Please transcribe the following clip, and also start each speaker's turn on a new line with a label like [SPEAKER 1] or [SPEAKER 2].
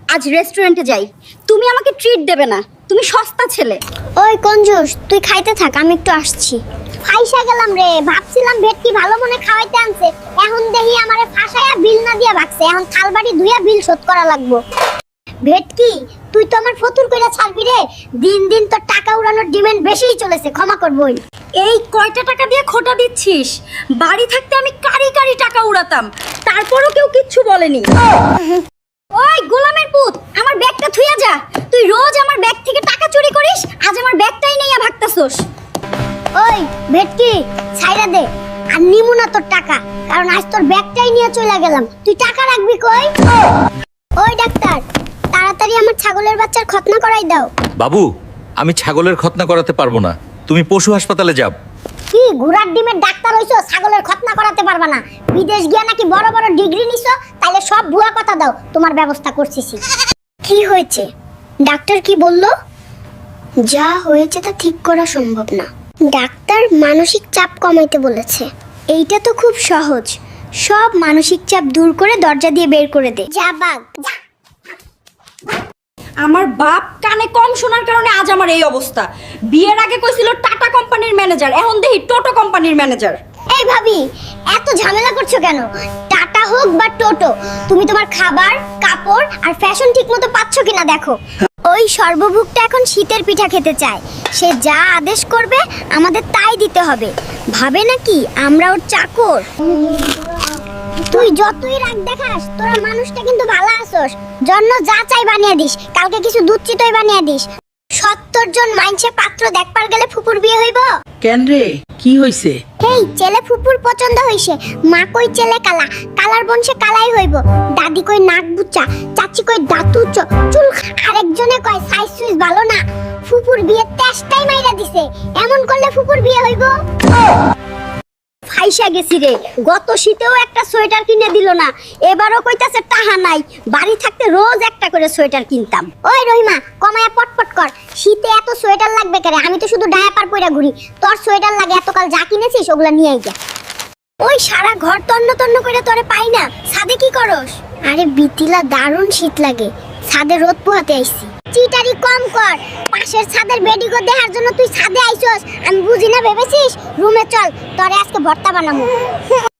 [SPEAKER 1] আজ রেস্টুরেন্টে যাই, তুমি আমাকে ট্রিট দেবে না, তুমি সস্তা ছেলে।
[SPEAKER 2] ওই কঞ্জুস, তুই খাইতে থাক, আমি একটু আসছি। ফাইসা গেলাম রে, ভাবছিলাম ভেটকি ভালো মনে খাওয়াইতে আনছে, এখন দেখি আমারে ফাঁসায়া বিল না দিয়া ভাগছে। এখন থালবাড়ি ধুইয়া বিল শোধ করা লাগবো। ভেটকি, তুই তো আমার ফতুর কইরা ছাড়বি রে। দিন দিন তো টাকা উড়ানোর ডিমান্ড বেশিই চলেছে, ক্ষমা করবই।
[SPEAKER 1] এই কয়টা টাকা দিয়ে খোটা দিচ্ছিস? বাড়ি থাকতে আমি কারি কারি টাকা উড়াতাম, তারপরও কেউ কিচ্ছু বলেনি। ওই গোলামের পুত, আমার ব্যাগটা থুইয়া যা। তুই রোজ আমার ব্যাগ থেকে টাকা চুরি করিস, আজ আমার ব্যাগটাই নিয়ে ভাগতাছস।
[SPEAKER 2] ওই ভেটকি, ছাইরা দে, আর নিমু না তোর টাকা, কারণ আজ তোর ব্যাগটাই নিয়ে চলে গেলাম। তুই টাকা রাখবি কই? ওই ডাক্তার, তাড়াতাড়ি আমার ছাগলের বাচ্চার খতনা করাই দাও।
[SPEAKER 3] বাবু, আমি ছাগলের খতনা করাতে পারবো না, তুমি পশু হাসপাতালে যাও।
[SPEAKER 2] কি ঘোড়ার ডিমের ডাক্তার হইছো, ছাগলের খতনা করাতে পারবা না? বিদেশ গিয়া নাকি বড় বড় ডিগ্রি নিছো? তাইলে সব ভুয়া কথা দাও, তোমার ব্যবস্থা করছিছি। কি হয়েছে? ডাক্তার কি বললো? যা হয়েছে তা ঠিক করা সম্ভব না। ডাক্তার মানসিক চাপ কমাইতে বলেছে। এইটা তো খুব সহজ, সব মানসিক চাপ দূর করে দরজা দিয়ে বের করে দে। যা বাগ।
[SPEAKER 1] আমার বাপ কানে কম শোনার কারণে আজ আমার এই অবস্থা। বিয়ের আগে কইছিল টাটা কোম্পানির ম্যানেজার, এখন দেখি টোটো কোম্পানির ম্যানেজার।
[SPEAKER 2] এই ভাবি, এত ঝামেলা করছো কেন? টাটা হোক বা টোটো, তুমি তোমার খাবার, কাপড় আর ফ্যাশন ঠিকমতো পাচ্ছ কিনা দেখো। ওই সর্বভুকটা এখন শীতের পিঠা খেতে চায়, সে যা আদেশ করবে আমাদের তাই দিতে হবে। ভাবে নাকি আমরা ওর চাকর? তুই যতই রাগ দেখাস, তোরা মানুষটা কিন্তু ভালো আছোস। জন্য যা চাই বানিয়ে দিস, কালকে কিছু দুধ চিতই বানিয়ে দিস। 70 জন মাইনসে পাত্র দেখবার গেলে ফুপুর বিয়ে হইব?
[SPEAKER 4] কেন রে, কি হইছে?
[SPEAKER 2] হেই, ছেলে ফুপুর পছন্দ হইছে। মা কই ছেলে কালা, কালার বংশে কালাই হইব। দাদি কই নাক বুচা, চাচি কই দাঁত উচ্চ, চুল। আরেকজনে কয় সাইজ সুইজ ভালো না। ফুপুর বিয়ে তেষ্টাই মাইরা দিছে, এমন করলে ফুপুর বিয়ে হইব?
[SPEAKER 1] ফাইসা গেছি রে, গত শীতেও একটা সোয়েটার কিনে দিল না, এবারও কইতাছে টাহা নাই। বাড়ি থাকতে রোজ একটা করে সোয়েটার কিনতাম।
[SPEAKER 2] ওই রহিমা, কমায়া পটপট কর। শীতে এত সোয়েটার লাগবে কেন? আমি তো শুধু ডায়াপার পইরা ঘুরি। তোর সোয়েটার লাগে, এতকাল যা কিনেছিস ওগুলা নিয়েই যা। ওই সারা ঘর তন্ন তন্ন করে তোরে পাই না, ছাদে কি করস? আরে বিতিলা, দারুণ শীত লাগে, ছাদে রোদ পোহাতে আইছি। চিটারি কম কর, পাশের ছাদের বেডিগো দেখার জন্য তুই ছাদে আইছস। আমি বুঝি না ভেবেছিস? রুমে চল, তোরে আজকে ভর্তা বানাবো।